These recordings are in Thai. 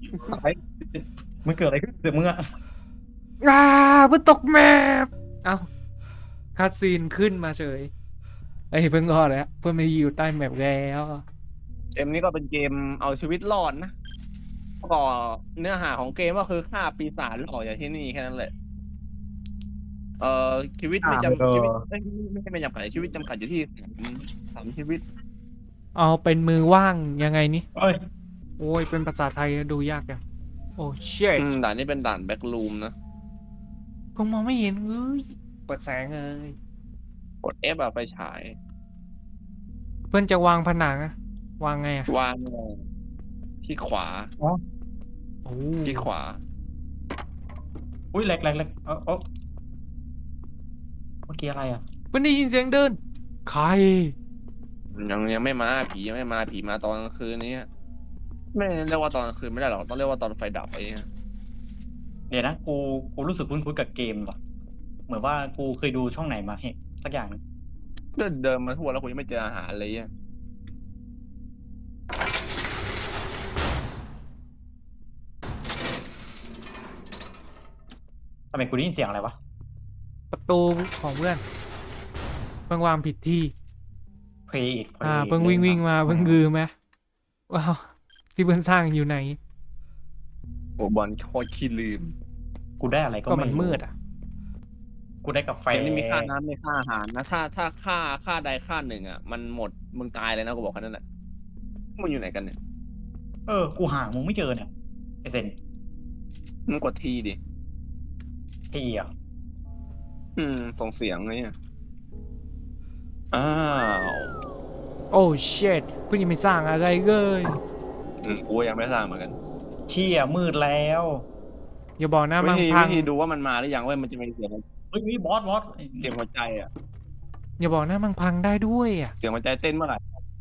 ไอ้มันเกิดอะไรขึ้นเดี๋ยวมึงอะอ่าเพิ่งตกแมปเอ้าคาซีนขึ้นมาเฉยไอ้ยเพิ่งรอดแล้วเพิ่งมาอยู่ใต้แมปแล้วเกมนี้ก็เป็นเกมเอาชีวิตรอดนะก็เนื้อหาของเกมก็คือฆ่าปีศาจแล้วออกจากที่นี่แค่นั้นแหละเอ่อชีวิตไม่เอจำชีวิตอไม่จำกัดชีวิตจำกัดอยู่ที่สามชีวิตเอาเป็นมือว่างยังไงนี่เอ้ยโอ้ยเป็นภาษาไทยดูยากจังโอ้เชิตด่านนี้เป็นด่านแบ็กรูมนะเพิ่งมองไม่เห็นเอ้ยเปิดแสงเลยกด F อะไปฉายเพื่อนจะวางผนังอะวางไงอะวางที่ขวาอ๋อโอ้ที่ขวาอุ้ยแหลกแหลกแหลกเมื่อกี้อะไรอ่ะเพื่อนได้ยินเสียงเดินใครยังไม่มาผียังไม่มาผีมาตอนกลางคืนนี้ไม่เรียกว่าตอนกลางคืนไม่ได้หรอกต้องเรียกว่าตอนไฟดับไอ้เนี่ยเดี๋ยวนะกูรู้สึกคุ้นๆกับเกมว่ะเหมือนว่ากูเคยดูช่องไหนมาเฮ้สักอย่างนึงเดินมาทั่วแล้วกูยังไม่เจออาหารเลยเนี่ยทำไมกูได้ยินเสียงอะไรวะประตูของเพื่อนเพิ่งวางผิดที่เพลย์อิทเพิ่งวิ่งมาเพิ่งลืมไหมว้าวที่เพื่อนสร้างอยู่ไหนโอ้บอลโคตรขี้ลืมกูได้อะไรก็ก็ไม่รู้มันมืดอ่ะกูได้กาแฟเกมนี้มีค่าน้ำไม่ค่าอาหารนะถ้าค่าใดค่าหนึ่งอ่ะมันหมดมึงตายเลยนะกูบอกแค่นั้นแหละมึงอยู่ไหนกันเนี่ยกูหามึงไม่เจอเนี่ยไอเซนมึงกดทีดิทีอ่ะส่งเสียงเลยเนี่ยอ้าวโอ้เชิตเพื่อนยังไม่สร้างอะไรเลยกูยังไม่สร้างเหมือนกันเชี่ยมืดแล้วอย่าบอกนะวิมันพังธีวิธีดูว่ามันมาหรือยังเว้ยมันจะมีเสียงเฮ้ยบอสเสียงหัวใจอ่ะอย่าบอกนะมันพังได้ด้วยอ่ะเสียงหัวใจเต้นเมื่อไหร่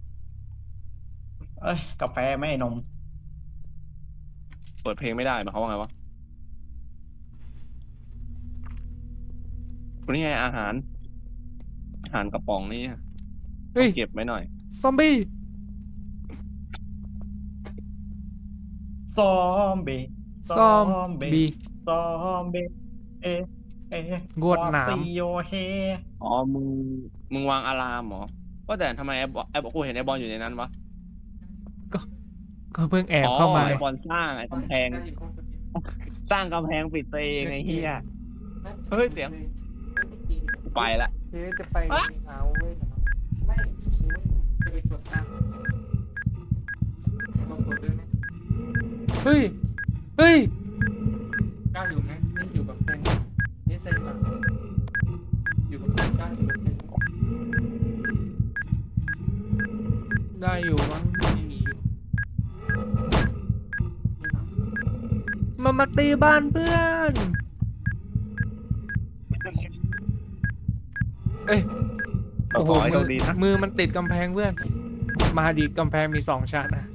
เอ้ยกาแฟไม่นมเปิดเพลงไม่ได้หมายความว่าไงวะวันนี้ไงอาหารกระป๋องนี่เฮ้ยเก็บไว้หน่อยซอมบี้ซอมบี้ซอซอมมบี้บี้ซอมบี้เอเงวดวาหนามซิโยเฮอ๋อมึงวางอะลามเหรอก็แต่ทำไมไอ้บอลกูเห็นไอ้บอลอยู่ในนั้นวะก็ก็เพิ่งแอบอ๋อเข้ามาไอ้บอลสร้างไอ้กำแพงสร้างกำแพงปิดตัวเองไอ้เหี้ยเฮ้ยเสียงกูไปละเจ๊จะไปเอาเว้ยไม่จะไปตรวจน้ำเฮ้ยเฮ้ยกล้าอยู่ไหมไม่อยู่กับแฟนนี่เซ็งป่ะอยู่กับแฟนกล้าอยู่กับแฟนได้อยู่มั้งไม่มีอยู่มาตีบ้านเพื่อนเอ้ยโอ้โหขอให้โชคดีนะมือมันติดกำแพงเพื่อนมาดีกำแพงมี2 ชั้นนะ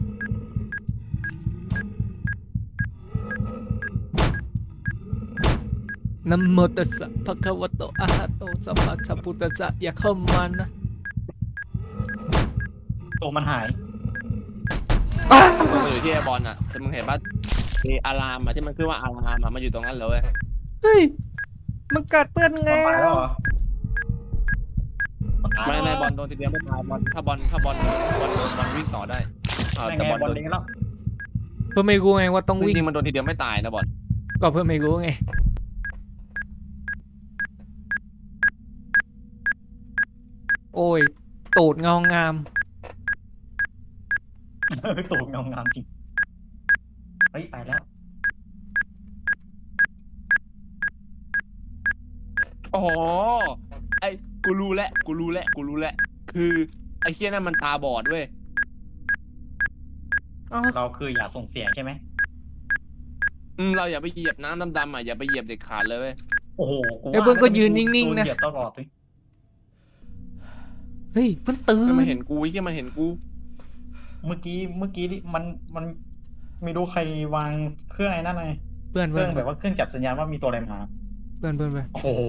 นะโมตัสสะภะคะวะโตอะระหะโตสัมมาสัมพุทธัสสะอย่าเข้ามานะตัวมันหายมันอยู่ที่ไอ้บอลอ่ะแต่มึงเห็นป่ะมีอะลามอ่ะที่มันขึ้นว่าอะลามอ่ะมันอยู่ตรงนั้นเลยเว้ยเฮ้ยมันกัดเปื้อนไงมันตายแล้วเหรอไม่บอลโดนทีเดียวไม่ตายบอลถ้าบอลวิ่งต่อได้ยังแต่ไงบอลบอลโดนเลี้ยงแล้วเพื่อไม่รู้ไงว่าต้องจวิ่งริงๆมันโดนทีเดียวไม่ตายนะบอลก็เพื่อไม่รู้ไงโอ้ยตูดเงางามตัวงามจริงเฮ้ยไปแล้วอ๋อไอ้กูรู้แล้วคือไอ้เคี้ยนั่นมันตาบอดเว้ยเราคืออย่าส่งเสียงใช่ไหมเราอย่าไปเหยียบน้ำดำๆอ่ะอย่าไปเหยียบเด็ดขาดเลยเว้ยโอ้โหไอ้เพื่อนก็ยืนนิ่งๆนะเหยียบตลอดเลยเฮ้ยเพิ่งตื่มันนเห็นกูไอ้เคี้ยมันเห็นกูเมื่อกี้นี่มันไม่รู้ใครวางเครื่องไอ้นั่นไงเพื่อนเคเพื่รื่ออน งแบบว่าเครื่องจับสัญญาณว่ามีตัวอะไรมาเพื่อนโอ้โห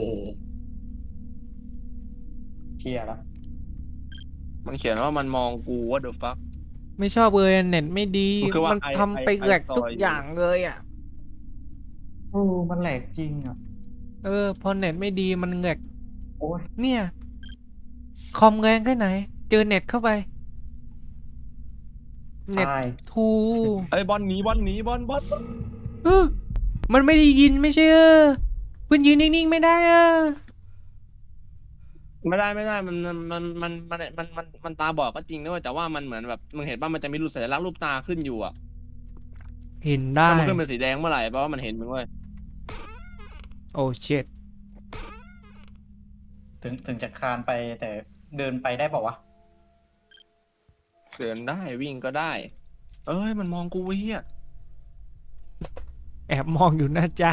เชียร์แล้วมันเขียนว่ามันมองกูว่า the fuck ไม่ชอบเลยเน็ตไม่ดีมันคือว่ามันทำไปแหลกทุกอย่างเลยอ่ะโอ้มันแหลกจริงอ่ะพอเน็ตไม่ดีมันแหลกโอ้ยเนี่ย คอมแรงแค่ไหน เจอเน็ตเข้าไป เน็ตตายทูเอ้ยบอลหนีบอลหนีบอลเออมันไม่ได้ยินไม่ใช่เพื่อนยืนนิ่งๆไม่ได้ไม่ได้มันตาบอดก็จริงนะเว้ยแต่ว่ามันเหมือนแบบมึงเห็นป่ะมันจะมีรูปสัญลักษณ์รูปตาขึ้นอยู่อ่ะเห็นได้ถ้ามันขึ้นเป็นสีแดงเมื่อไหร่แปลว่ามันเห็นมึงเว้ยโอ้เช็ดถึงจะคลานไปแต่เดินไปได้เปล่าวะเดินได้วิ่งก็ได้ เอ้ยมันมองกูเฮียแอบมองอยู่นะจ๊ะ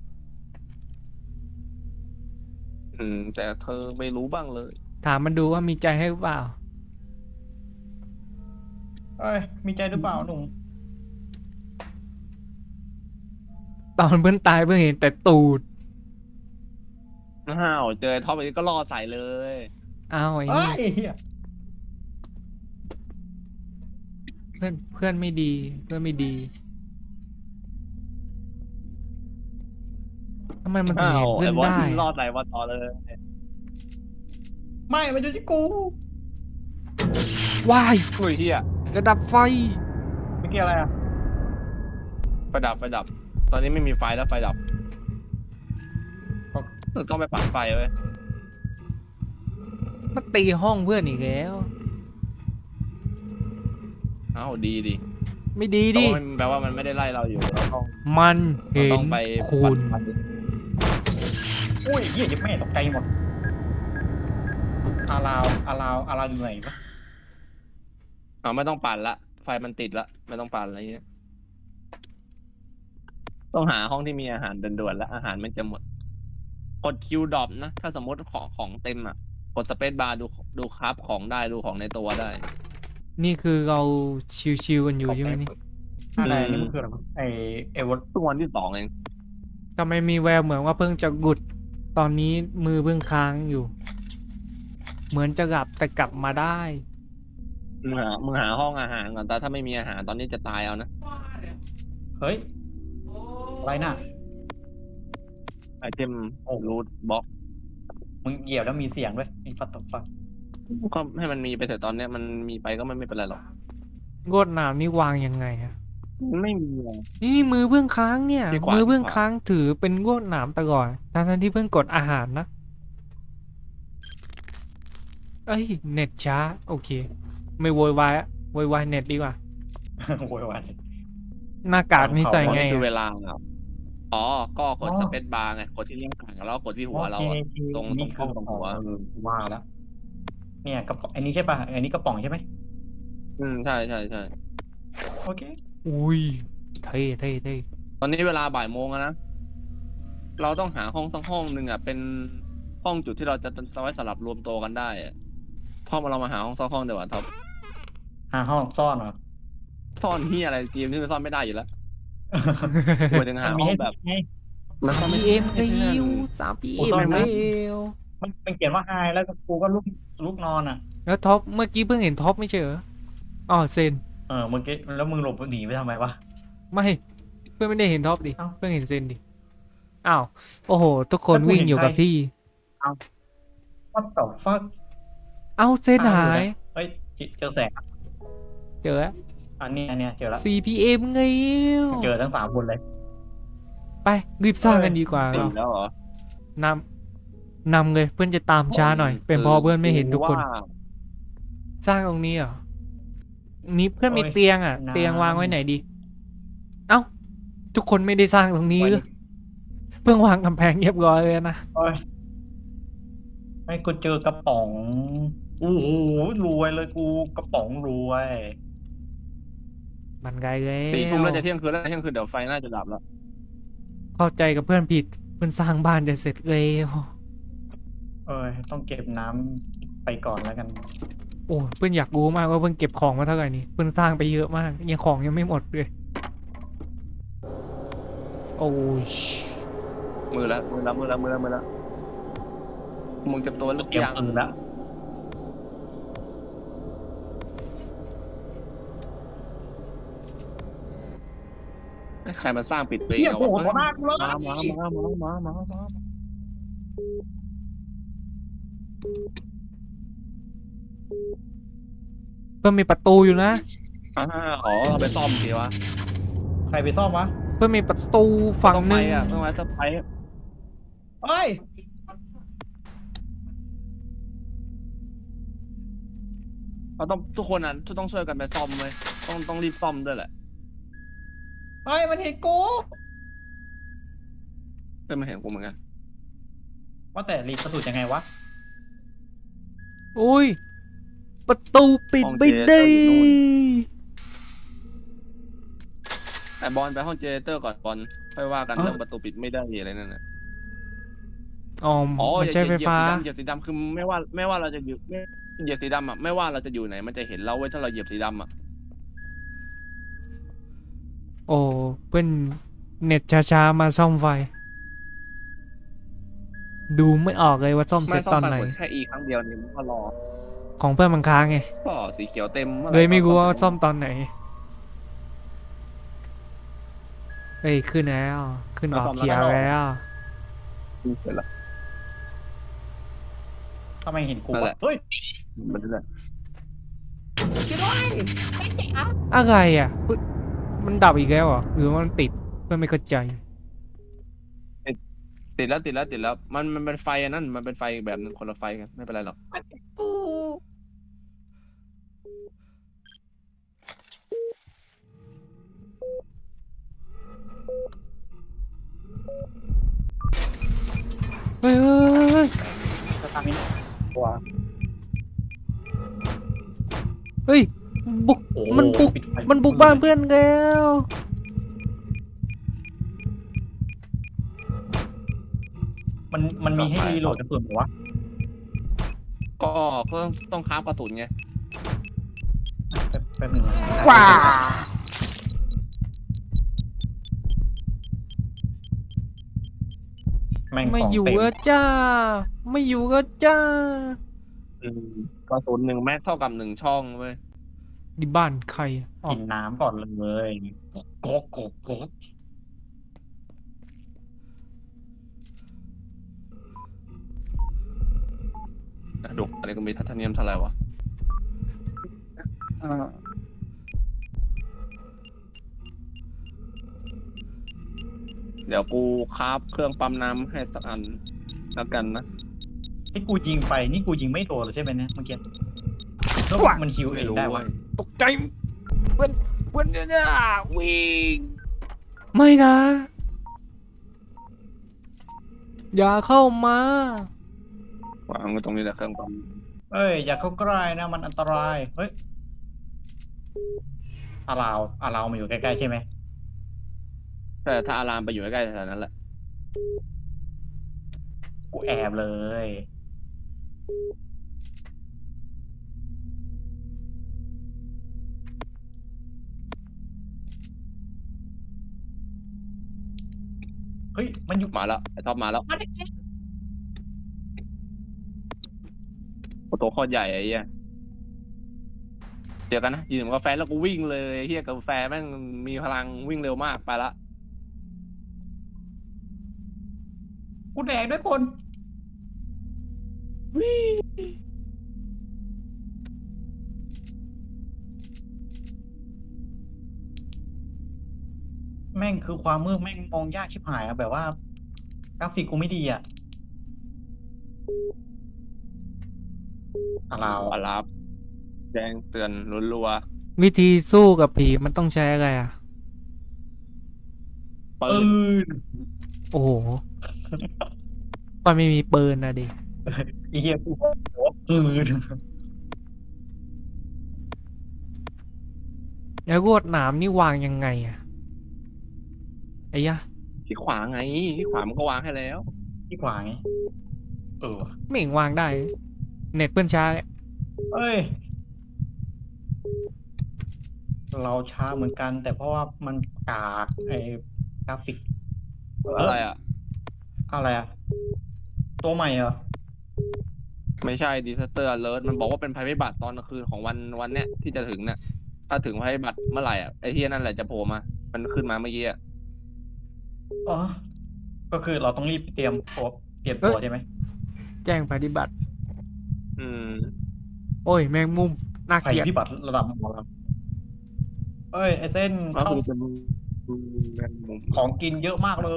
แต่เธอไม่รู้บ้างเลยถามมันดูว่ามีใจให้หรือเปล่าเอ้ย มีใจหรือเปล่าหนุ่มตอนเพื่อนตายเพื่อนเห็นแต่ตูดอ้าวเจอท็อปอีกก็ล่อใส่เลยอ้าวไอ้เอ้นี่ยเหี้ยเพื่อนไม่ดีเพื่อนไม่ดีทำไมมันถึงอ้าเห็วนเพื่อนไอ้บอลได้ล่อใส่บอลต่อเลยไม่มันอยู่ที่กูว้ายอุ้ยเฮียกระดับไฟเมื่อกี้อะไรอ่ะไฟดับตอนนี้ไม่มีไฟแล้วไฟดับต้องไปปัดไฟเว้ยมาตีห้องเพื่อนอีกแล้วอ้าวดีไม่ดีดิแปลว่ามันไม่ได้ไล่เราอยู่เราต้องมันเราเห็ต้นองไปคุปัณดไฟอุ้ยเหี้ยยังไม่ตกใจหมด อาราวอยู่ไหนวะไม่ต้องปั่นละไฟมันติดละไม่ต้องปั่นอะไรเงี้ยต้องหาห้องที่มีอาหารด่วนๆแล้วอาหารมันจะหมดกดคิวดรอปนะถ้าสมมติของเต็มอ่ะกดสเปซบาร์ดูคราฟของได้ดูของในตัวได้นี่คือเราชิวๆกันอยู่ใช่ไหมนี่อะไรนี่มันคืออะไรวะไอ้วอลทุกวันที่2เองทำไมมีแววเหมือนว่าเพิ่งจะกุด ตอนนี้มือเพิ่งค้างอยู่ เหมือนจะหลับแต่กลับมาได้มึงหาห้องอาหารก่อนแต่ถ้าไม่มีอาหารตอนนี้จะตายเอานะเฮ้ย อะไรน่ะไอเทมรูทบล็อกมึงเหยียบแล้วมีเสียงด้วยไอ้ฟัดตบฟัดก็ให้มันมีไปเถอะตอนเนี้ยมันมีไปก็ไม่เป็นไรหรอกงวดหนามนี่วางยังไงอะไม่มีอะนี่มือเพิ่งค้างเนี่ยดีกว่ามือเพิ่งค้างถือเป็นงวดหนามตลอดทั้งที่เพิ่งกดอาหารนะ เอ้ยเน็ตช้าโอเค ไม่โวยวายอะโวยวายเน็ตดีกว่าโวยวายหน้ากากนี่ใส่อ๋อไงนี่คือเวอะลาครับอ๋อก็กดสเปซบาร์ไงกดที่เลี้ยงห่างแล้วก็กดที่หัวเราอะ ตรงนี่กล้องตรงหัวว่าแล้ว เนี่ยกระป๋องอันนี้ใช่ป่ะอันนี้กระป๋องใช่ไหมใช่โอเคอุ้ยเท่เท่เท่ตอนนี้เวลาบ่ายโมงแล้วนะเราต้องหาห้องสักห้องหนึ่งอ่ะเป็นห้องจุดที่เราจะไว้สำหรับรวมตัวกันได้อะท็อปเรามาหาห้องสักห้องเดี๋ยวท็อปหาห้องซ่อนเหรอซ่อนที่อะไรเกมที่มันซ่อนไม่ได้อยู่แล้วหมายถึงหามีห้องให้แบบไงมันซ่อนไม่พีได้เอ็มเร็ว3 PM โอ้ซ่อนนะเร็วมันเขียนว่าไฮแล้วก็กูก็ลุกนอนอ่ะแล้วท็อปเมื่อกี้เพิ่งเห็นท็อปไม่ใช่เหรออ๋อเซนเมื่อกี้แล้วมึงหลบหนีไปทำไมวะไม่เพื่อนไม่ได้เห็นท็อปดิเอ้าเพื่อนเห็นเซนดิอ้าวโอ้โห ทุกคนวิ่งอยู่กับที่ What the fuck เอ้าเซนหายเฮ้ยเจอแสงเจอแล้วอันนี้เจอแล้ว 4 PM ไงเจอทั้ง3 คนเลยไปรีบสร้างกันดีกว่าสี่แล้วเหรอนำเลยเพื่อนจะตามช้าหน่อย เป็นเพราะเพื่อนไม่เห็นทุกคนว่าสร้างตรงนี้เหรอนี้เพื่อนมีโอ้ยเตียงอ่ะน้ำเตียงวางไว้ไหนดี เอ้า ทุกคนไม่ได้สร้างตรงนี้หรือเพิ่งวางกำแพงเรียบร้อยเลยนะโอ้ยไม่กูเจอกระป๋องโอ้โหรวยเลยกูกระป๋องรวยมันไกลแล้ว 4 ทุ่มแล้วจะเที่ยงคืนแล้วเที่ยงคืนเดี๋ยวไฟน่าจะดับแล้วเข้าใจกับเพื่อนผิด เพื่อนสร้างบ้านจะเสร็จแล้วต้องเก็บน้ำไปก่อนแล้วกันโอ้เพื่อนอยากรู้มากว่าเพื่อนเก็บของมาเท่าไหร่นี่เพื่อนสร้างไปเยอะมากยังของยังไม่หมดเลย โอ้ยมือแล้วมึงเก็บตัวแล้วเก็บยังปืนแล้วใครมาสร้างปิดตัวเองเหี้ยอะโผล่วะต่อหน้ากูเลยมาเพื่อนมีประตูอยู่นะอ๋อเอาไปซ่อมสิวะใครไปซ่อมวะเพื่อนมีประตูฝั่งต้องหไปนึ่งอ่ะต้องไปสไปร์เฮ้ยเราต้องทุกคนอ่ะต้องช่วยกันไปซ่อมเลยต้องรีบซ่อมด้วยแหละเฮ้ยมันเห็นกูเพื่อนมาเห็นกูเหมือนกันว่าแต่รีบประตูยังไงวะอุ้ยประตูปิดไม่ได้ไอบอลไปห้องเจเนเรเตอร์ก่อนบอลค่อยว่ากันเรื่องประตูปิดไม่ได้อะไรนั่นน่ะอ๋ออ๋อมันอย่าใช้ไฟเหยียบฟ้าสีดำเหยียบสีดำคือไม่ว่าเราจะอยู่เหยียบสีดำอ่ะไม่ว่าเราจะอยู่ไหนมันจะเห็นเราเว้ยถ้าเราเหยียบสีดำอ่ะโอ้เพื่อนเน็ตช้าๆมาซ่อมไฟ ดูไม่ออกเลยว่าซ่อมเสไม่ร็จซ่อตมอนไฟไหนกดแค่อีครั้งเดียวนี่มันก็รอของเพื่อนมันค้างไงก็สีเขียวเต็มเลยไม่รู้ว่าซ่อมตอนไหน เฮ้ยขึ้นแล้วขึ้นออกเขียวแล้วเสร็จละทำไมเห็นกูนั่นแหวะละเฮ้ยมันนั่นแหละอะไรอ่ะปึ๊ดมันดับอีกแล้วเหรอหรือว่ามันติดเพื่อนไม่เข้าใจติดแล้วมันเป็นไฟอันนั้นมันเป็นไฟอีกแบบหนึ่งคนละไฟกันไม่เป็นไรหรอกกูเฮ้ยเฮ้ยเฮ้ยจะทำยังไงตัวเฮ้ยบุกโอ้มันบุกปิดไฟมันบุกบ้านเพื่อนแล้วมันมีให้รีโหลดกระสุนเหรอวะก็ต้องคราฟกระสุนไงแป๊บหนึงนะว้าแม่งไม่ของอยู่เต็มก็จ้า ไม่อยู่ก็จ้ากระสุน1 แม็กเท่ากับ1 ช่องเว้ยดิบ้านใครอะอ๋อกินน้ำก่อนเลยโกกโกกโกกดูอันนี้ก็มีทัศนียมเท่าไหร่วะเดี๋ยวกูคราฟเครื่องปั๊มน้ำให้สักอันแล้วกันนะที่กูยิงไปนี่กูยิงไม่โดนเลยใช่ไหมเนี่ยเมื่อกี้แล้วมันฮิวเอไม่งรู้ได้เว้วะยตกใจเพื่อนเพื่อนเนี่ยวิ่งไม่นะ อย่าเข้ามาวางไว้ตรงนี้แหละเครื่องปั๊มเอ้ยอย่าเข้าใกล้นะมันอันตรายเฮ้ยอาราวมาอยู่ใกล้ๆใช่ไหมแต่ถ้าอารามไปอยู่ใกล้ๆแถวนั้นแหละกูแอบเลยเฮ้ยมันอยู่มาแล้วไอ้ท็อปมาแล้วมาดิตัวโคตรใหญ่ไอ้เหี้ยเจอกันนะยืนกับกาแฟแล้วกูวิ่งเลยไอ้เฮียกาแฟแม่งมีพลังวิ่งเร็วมากไปละกูแดกด้วยคนแม่งคือความมืดแม่งมองยากชิบหายอะแบบว่ากราฟิกกูไม่ดีอะอาราวอารับแจ้งเตือนรัววิธีสู้กับผีมันต้องใช้อะไรอ่ะๆปืปืนนโอ้โหตอนไม่มีปืนนะดิไอ้เหี้ยกูปืนแล้วรวดหนามนี่วางยังไงอ่ะไอ้ยะที่ขวาไงที่ขวามันก็วางให้แล้วที่ขวาไงว่ะไม่เห็นวางได้ เน็ตเพื่อนช้าเอ้ย เราช้าเหมือนกัน แต่เพราะว่ามันกากไอ้กราฟิกอะไรอ่ะอะไรอะตัวใหม่เหรอไม่ใช่ disaster alert มันบอกว่าเป็นภัยพิบัติตอนกลางคืนของวันเนี้ยที่จะถึงเนี่ยถ้าถึงภัยพิบัติเมื่อไหร่อ่ะไอ้ที่นั่นแหละจะโผล่มามันขึ้นมาเมื่อกี้อ่ะอ๋อก็คือเราต้องรีบเตรียมตัวใช่ไหมแจ้งปฏิบัติอืมโอ้ยแมงมุมน่าภัยเกลียดพิบัติระดับหมอลำเอ้ยไอเส้นก็เข้าคือเป็นแมงมุมของกินเยอะมากเลย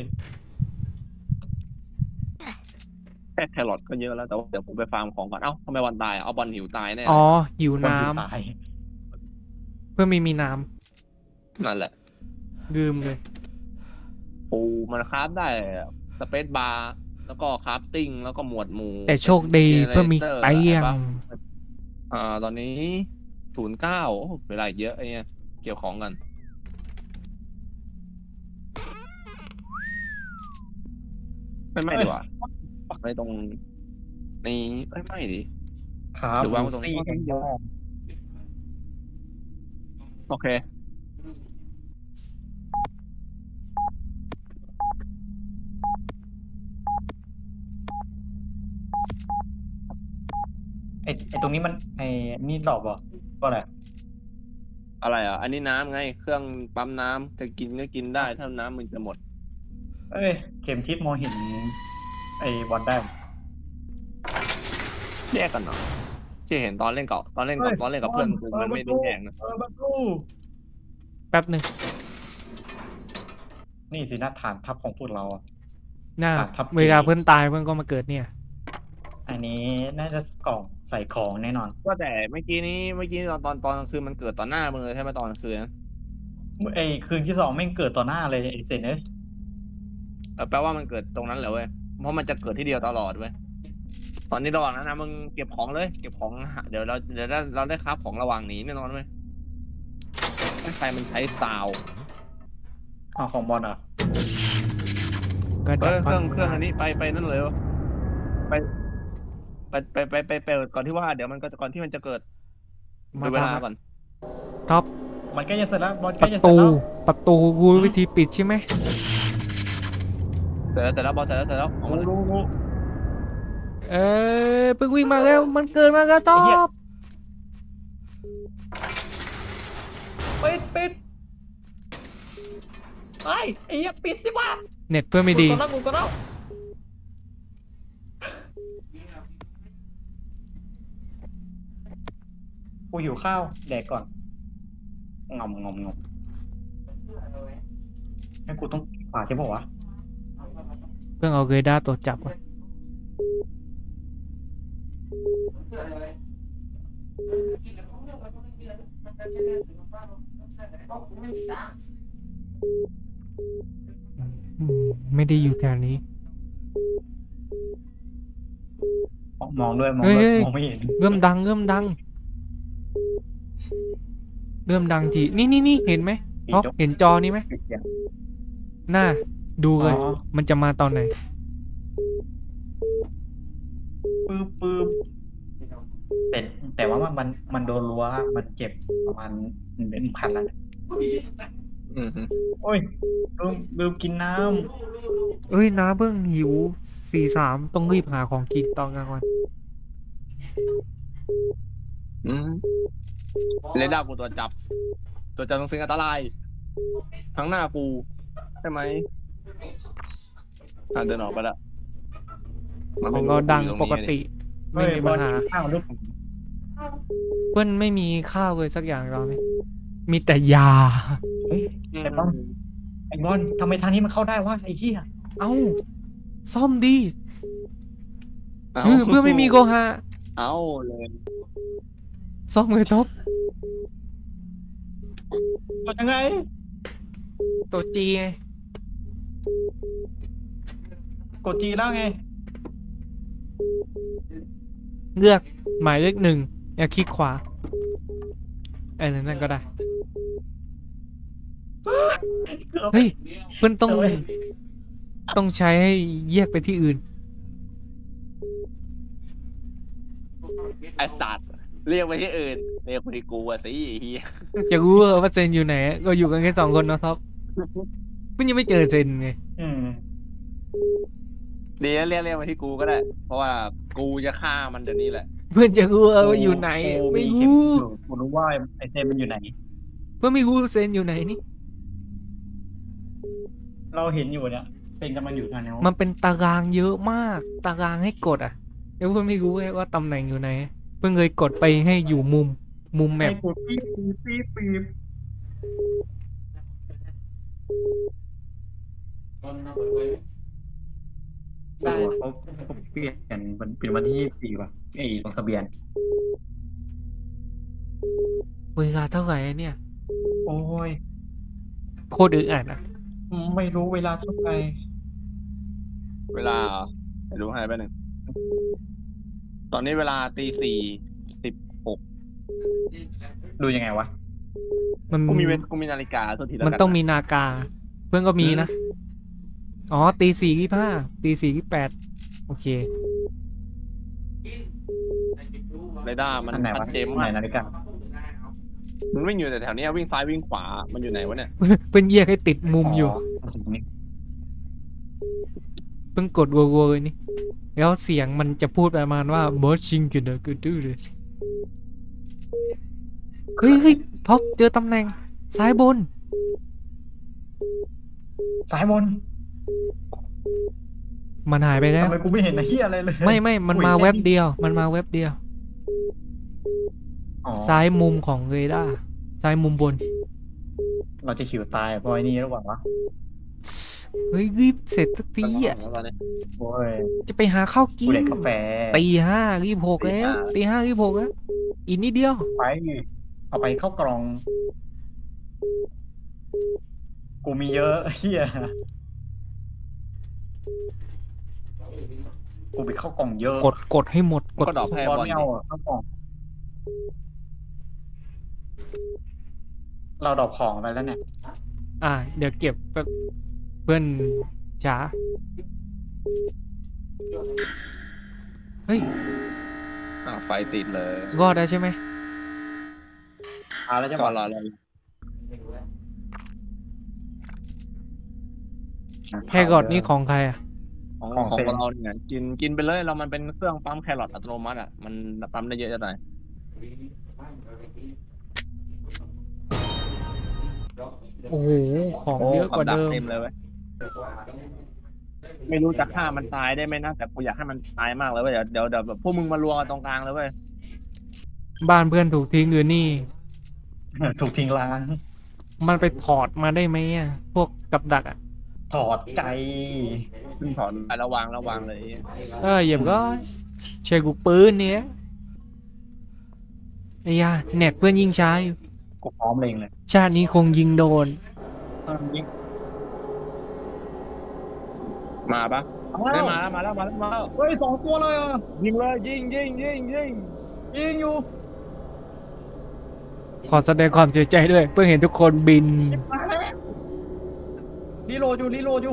แค่แครอทก็เยอะแล้วแต่ว่าเดี๋ยวผมไปฟาร์มของก่อนเอ้าทำไมวันตายเอาบอลหิวตายแน่อ๋เลอย หิวคนน้ที่ตายำเพื่อมีน้นั่นแหละำลืมเลยปูมันคราฟได้สเปซบาร์แล้วก็คราฟติ้งแล้วก็หมวดหมู่แต่โชคดีเพื่อมีเตียงตอนนี้09เวลาอีกเยอะไอ้เนี่ยเกี่ยวของกันไม่ดีกว่าไม่ตรงนี้ไม่ดิครับหรือวางไว้ตรงนี้ซี่แอนด์โอเคไอตรงนี้มันนี่หลอกเหรอก็อะไรอะไรอ่ะ อันนี้น้ำไง เครื่องปั๊มน้ำจะกินก็กินได้ถ้าน้ำมันจะหมดเอ้ยเข็มทิศมองเห็นไอบอลได้แยกกันเนาะที่เห็นตอนเล่นกับเพื่อนกูมันไม่ได้แยกนะประตูแป๊บหนึ่งนี่สินะฐานทัพของพวกเราอ่ะน่าครับเวลาเพื่อนตายเพื่อนก็มาเกิดเนี่ยอันนี้น่าจะกล่องใส่ของแน่นอนก็แต่เมื่อกี้ตอนกลางคืนมันเกิดต่อหน้ามึงเลยใช่ไหมตอนกลางคืนนะไอคืนที่2แม่งเกิดต่อหน้าเลยไอเซนเอ้ยแปลว่ามันเกิดตรงนั้นแหละเว้ยเพราะมันจะเกิดที่เดียวตลอดเว้ยตอนนี้ระหว่างนั้นนะมึงเก็บของเลยเก็บของเดี๋ยวเราได้คราฟของระหว่างหนีแน่นอนเว้ยไม่ใช่มันใช้ซาวเอาของบอลอ่ะก็เคดับรื่องอันนี้ไปนั่นเลยวะไปก่อนที่ว่าเดี๋ยวมันก็ก่อนที่มันจะเกิดมาดูเวลาทำก่อนท็อปมันก็จะเสร็จแล้วบอลปก็ระจะเสร็จตูแล้วประตูกูวิธีปิดใช่ไหมเสร็จแล้วบอลเสร็จแล้วออกมาเลยรู้เอ้ยเพิ่งวิ่งมาแล้วมันเกิดมาแล้วท็อปปิดไอ้เหี้ยปิดสิวะเน็ตเพื่อนไม่ดีกูก็แล้วกูหิวข้าวแดกก่อนงอมให้กูต้องขวาใช่ปะวะเพื่อนเอาเกรด้าตัวจับไว้ไม่ได้อยู่แถวนี้มองด้วยเฮ้ยมองไม่เห็นเริ่มดังทีนี่เห็นไหมท็อปเห็นจอนี้ไหมหน้าดูเลยอ๋อมันจะมาตอนไหนปื๊บแต่ว่ามันโดนรั้วมันเจ็บประมาณ1,000แล้วอืมโอ้ยลืมกินน้เอ้ยน้าเพิ่งหิว43ต้องรีบหาของกินตอนกลางวันเรดาร์กูตัวจับตรงสิ่งอันตรายทั้งหน้ากูใช่ไหมเดินออกไปละของเราดังปกติำไม่มีปัญหาเฮ้ยบอลกินข้าวลูกเพื่อนไม่มีข้าวเลยสักอย่างเราเนี่ยมีแต่ยาเฮ้ยไอ้บอลทำไมทางนี้มันเข้าได้วะไอ้เหี้ยเอ้าซ่อมดีเพื่อนไม่มีโกฮาเอาเลยซ่อมเลยท็อปกดยังไงตัวจีไงกดจีแล้วไงเลือกหมายเลข1อย่าคลิกขวานั่นก็ได้เฮ้ยเพื่อนต้องใช้ให้แยกไปที่อื่นไอสัตว์เรียกไปที่อื่นเรียกไปที่กูอะสิเฮียจะรู้ว่าเซนอยู่ไหนก็อยู่กันแค่2คนเนาะท็อปเพื่อนยังไม่เจอเซนไงอืมดีแล้วเรียกมาที่กูก็ได้ เพราะว่ากูจะฆ่ามันเดี๋ยวนี้แหละเพื่อนจะรู้ว่าอยู่ไหนไม่รู้กูรู้ว่าไอ้เซนมันอยู่ไหนเพื่อนไม่รู้เซนอยู่ไหนนี่เราเห็นอยู่เนี่ยเซนจะมาอยู่ทางนี้มันเป็นตารางเยอะมาก ตารางให้กดอ่ะเดี๋ยวเพื่อนไม่รู้ไงว่าตำแหน่งอยู่ไหนเพื่อนเลยกดไปให้อยู่มุมแมไอ้ปกูปี๊บปี๊บปี๊บได้เขาเปลี่ยนมันเป็นวันที่24ว่ะไอ้ลงทะเบียนเวลาเท่าไหร่เนี่ยโอ้ยโคตรอึดอัดอ่ะไม่รู้เวลาเท่าไหร่เวลาเหรอเดี๋ยวดูให้แป๊บนึงตอนนี้เวลาตี 4:16 ดูยังไงวะมันกูมีนาฬิกาตัวทีละมันต้องมีนากา เพื่อนก็มีนะ อ๋อตี 4:25ตี 4:28โอเคเรดาร์มันอันไหนชัวะดเจนไหนมากนาฬิกามันวิ่งอยู่แต่แถวเนี้ยวิ่งซ้ายวิ่งขวามันอยู่ไหนวะเนี่ยเพิ่งแยกให้ติดมุมอยู่นี่เพิ่งกดวัวๆเลยนี่ แล้วเสียงมันจะพูดประมาณว่าบอสชิงกันเดอร์กูดูเลยเฮ้ยท็อปเจอตำแหน่งซ้ายบนซ้ายบนมันหายไปแล้วทำไมกูไม่เห็นไอ้เหี้ยอะไรเลยไม่มันมาเว็บเดียว มันมาเว็บเดียวอ๋อซ้ายมุมของเรดาร์ซ้ายมุมบนเราจะขิวตายเพราะไอ้นี่หรือเปล่าวะเฮ้ยรีบเสร็จสักทีอ่ะแล้วตอนนี้โอ้ยจะไปหาข้าวกิกูนเด็กกาแฟตี 5:26แล้วตี 5:26แล้วอีกนิดเดียวไปเอาไปเข้ากล่อง กูมีเยอะเหี้ยกูไปเข้ากล่องเยอะกดให้หมดกดก็ดอกแพร่บอลบอลไม่เอาอะเข้ากล่อง เราดรอกของไปแล้วเนี่ยเดี๋ยวเก็บแป๊บเพื่อนจ๋าเฮ้ยไฟติดเลยรอดได้ใช่ไหมแล้วจะบก็อกรอเลยแครอทนี่ของใครอ่ะของเราเนี่ยกินไปเลยเรามันเป็นเครื่องปั๊มแครอทอัตโนมัติอ่ะมันปั๊มได้เยอะจะตายโอ้โหของเยอะกว่าดัเดิมเต็มเลยเว้ยไม่รู้จะฆ่ามันตายได้ไหมนะแต่กูอยากให้มันตายมากเลยเว้ยเดี๋ยวแบบพวกมึงมารวมกันตรงกลางเลยเว้ยบ้านเพื่อนถูกทิ้งอยู่นี่ถูกทิ้งร้างมันไปถอดมาได้ไหมอ่ะ พวกกับดักอ่ะถอดใจขึ้นถอนไประวังเลยเหยียบก็ใช้กูปืนเนี่ยไอ้ยาแหนกเพื่อนยิงช้าอยู่กูพร้อมเลยเลยชาตินี้คงยิงโดนยิงมาปะได้มาแล้วเฮ้ย2 ตัวเลยอ่ะยิงเลยยิงยิงอยู่ขอแสดงความเสียใจด้วย เพื่อเห็นทุกคนบินรีโหลดอยู่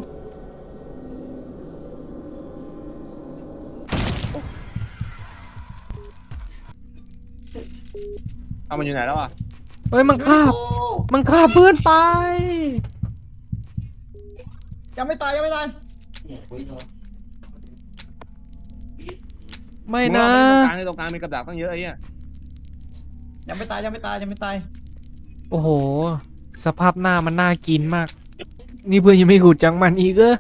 เอามันอยู่ไหนแล้วอ่ะเฮ้ยมันฆ่าเพื่อนไปยังไม่ตายไม่นะตรงกลางมีกระดาษตั้งเยอะไอ้เหี้ยยังไม่ตายโอ้โห สภาพหน้ามันน่ากินมาก นี่เพื่อนยังไม่หูจังมันอีกเหรอก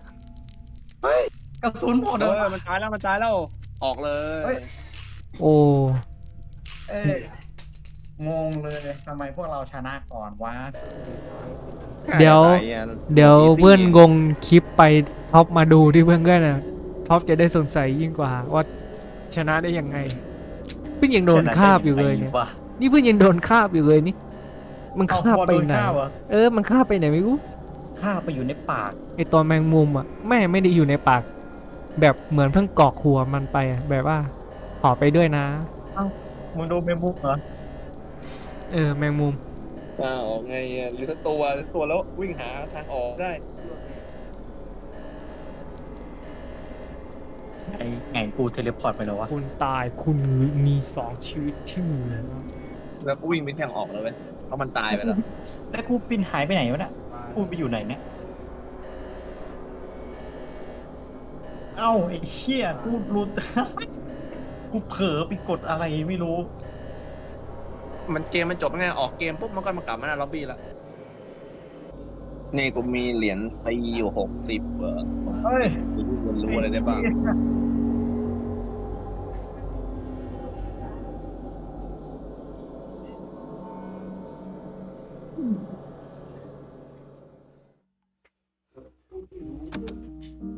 ระสุนหมดเลยมันตายแล้วออกเลยโอ้เอ้ยงงเลยทำไมพวกเราชนะก่อนวะเดี๋ยวเพื่อนงงคลิปไปท็อปมาดูที่เพื่อนก็น่ะท็อปจะได้สงสัยยิ่งกว่าว่าชนะได้ยังไงเพิ่งยังโดนคาบอยู่เลยเนี่ย นี่เพิ่งยังโดนคาบอยู่เลยนี่ มันคาบไปไหน มันคาบไปไหนไม่รู้ข้าไปอยู่ในปากไอตอนแมงมุมอ่ะแม่ไม่ได้อยู่ในปาก แบบเหมือนเพิ่งกรอกหัวมันไปอะแบบว่าขอไปด้วยนะมึงโดนเมมบุกเหรอแมงมุมออกไงหรือถ้าตัวแล้ววิ่งหาทางออกได้ไงกูเทเลพอร์ตไปแล้ววะคุณตายคุณมี2 ชีวิตที่เหลือแล้วก็วิ่งไปทางออกเลยเว้ยเพราะมันตายไปแล้วแล้วกูปินหายไปไหนวะเนี่ยกูไปอยู่ไหนเนี่ยเอ้าไอ้เหี้ยกูรู้ กูเผลอไปกดอะไรไม่รู้เกมมันจบไงออกเกมปุ๊บมันก็มากลับมาหน้าล็อบบี้ละนี่กูมีเหรียญตีอยู่60 เฮ้ยกูรู้อะไรได้บ้าง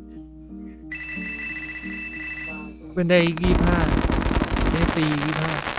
เป็นได้25ได้4 25